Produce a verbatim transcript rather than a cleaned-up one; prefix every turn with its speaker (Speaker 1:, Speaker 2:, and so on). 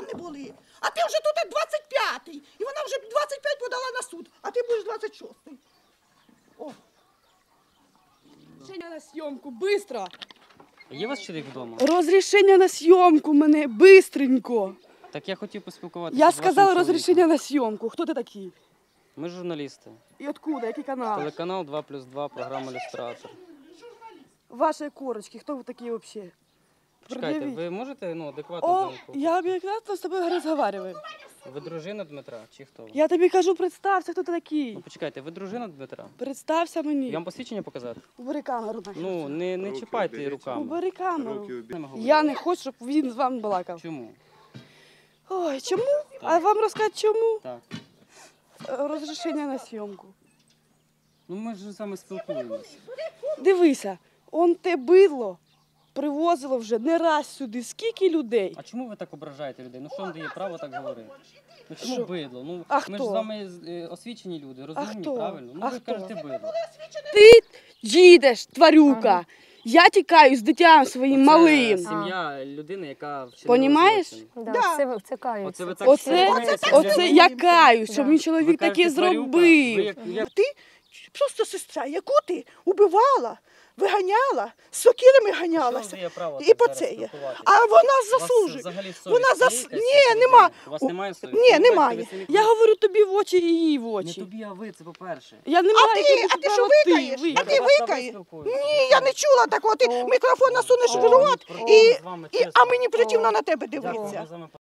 Speaker 1: не були. А ти вже тут двадцять п'ятий. І вона вже двадцять п'ять подала на суд, а ти будеш двадцять шостий. О.
Speaker 2: Розрішення на зйомку, бистро.
Speaker 3: Є у вас чоловік вдома?
Speaker 2: Розрішення на зйомку мене, бистренько.
Speaker 3: Так я хотів поспілкуватися
Speaker 2: Я
Speaker 3: з вашим
Speaker 2: сказала
Speaker 3: чоловіком.
Speaker 2: розрішення на зйомку. Хто ти такий?
Speaker 3: Ми журналісти.
Speaker 2: І откуда, який канал?
Speaker 3: Телеканал два плюс два, програма «Люстратор».
Speaker 2: Ваші корочки, хто ви такі взагалі?
Speaker 3: Чекайте, ви можете ну, адекватну
Speaker 2: О,
Speaker 3: думку?
Speaker 2: я об'єктивно з тобою розмовляю.
Speaker 3: Ви дружина Дмитра чи хто? ви?
Speaker 2: Я тобі кажу, представся, хто ти такий.
Speaker 3: Ну почекайте, ви дружина Дмитра?
Speaker 2: Представся
Speaker 3: Я
Speaker 2: мені.
Speaker 3: вам посвідчення показати?
Speaker 2: Убери камеру. нахер.
Speaker 3: Ну, не, не чіпайте її руками.
Speaker 2: Убери камеру.
Speaker 3: Ними говорити.
Speaker 2: Я не хочу, щоб він з вами балакав.
Speaker 3: Чому?
Speaker 2: Ой, чому? А вам розказати чому?
Speaker 3: Так.
Speaker 2: Е, Розрішення на зйомку.
Speaker 3: Ну ми ж з вами спілкуємося.
Speaker 2: Дивися, он те бидло привозило вже не раз сюди. Скільки людей?
Speaker 3: А чому ви так ображаєте людей? Ну що вам дає право так говорити? Ну чому
Speaker 2: Що?
Speaker 3: бидло? Ну,
Speaker 2: А
Speaker 3: ми
Speaker 2: хто?
Speaker 3: ж з вами е, освічені люди, розумні,
Speaker 2: хто?
Speaker 3: правильно? Ну
Speaker 2: А
Speaker 3: ви
Speaker 2: хто?
Speaker 3: кажете бидло.
Speaker 2: Ти їдеш, тварюка. Я тікаю з дитям своїм
Speaker 3: Це
Speaker 2: малим.
Speaker 3: сім'я людини, яка вчинила
Speaker 2: Понімаєш?
Speaker 3: злочин.
Speaker 4: Да,
Speaker 1: Да.
Speaker 4: Це, це каються.
Speaker 3: Оце ви так
Speaker 2: Оце,
Speaker 3: спілкуєтеся з
Speaker 2: оце
Speaker 3: людьми?
Speaker 2: я каюсь, що
Speaker 4: Да.
Speaker 2: мій чоловік
Speaker 3: Ви
Speaker 2: таке
Speaker 3: кажете, тварюка, ви
Speaker 2: зробив.
Speaker 3: як- як-
Speaker 1: Ти просто сестра, яку ти убивала, виганяла, з сокирами
Speaker 3: Що
Speaker 1: ганялася.
Speaker 3: ви є право
Speaker 1: І
Speaker 3: так
Speaker 1: по
Speaker 3: зараз
Speaker 1: це є.
Speaker 3: спілкуватися?
Speaker 1: А вона
Speaker 3: У вас
Speaker 1: заслужує.
Speaker 3: взагалі совість
Speaker 1: Вона
Speaker 3: є
Speaker 1: зас...
Speaker 3: якась
Speaker 1: Ні,
Speaker 3: перед
Speaker 1: нема.
Speaker 3: людьми? У вас
Speaker 1: У-
Speaker 3: немає совісті?
Speaker 1: Ні,
Speaker 3: Ви бачите,
Speaker 1: немає.
Speaker 3: ви самі
Speaker 2: Я говорю тобі в очі і її в
Speaker 3: Не
Speaker 2: очі.
Speaker 3: тобі, а ви, це по-перше.
Speaker 2: Я не
Speaker 1: А
Speaker 2: маю
Speaker 1: ти,
Speaker 2: тобі
Speaker 1: а ти що
Speaker 2: права,
Speaker 1: викаєш?
Speaker 2: ви.
Speaker 1: А ти
Speaker 3: Я до вас
Speaker 1: викаєш?
Speaker 3: добре спілкуюся.
Speaker 1: Ні, я не чула такого. Ти
Speaker 4: О.
Speaker 1: мікрофон насунеш в
Speaker 3: О,
Speaker 1: рот,
Speaker 3: ні, про-
Speaker 1: і,
Speaker 3: з вами
Speaker 1: і,
Speaker 3: чесно.
Speaker 1: а мені противно
Speaker 4: О.
Speaker 1: на тебе
Speaker 3: Дякую,
Speaker 1: дивитися.
Speaker 3: ми з вами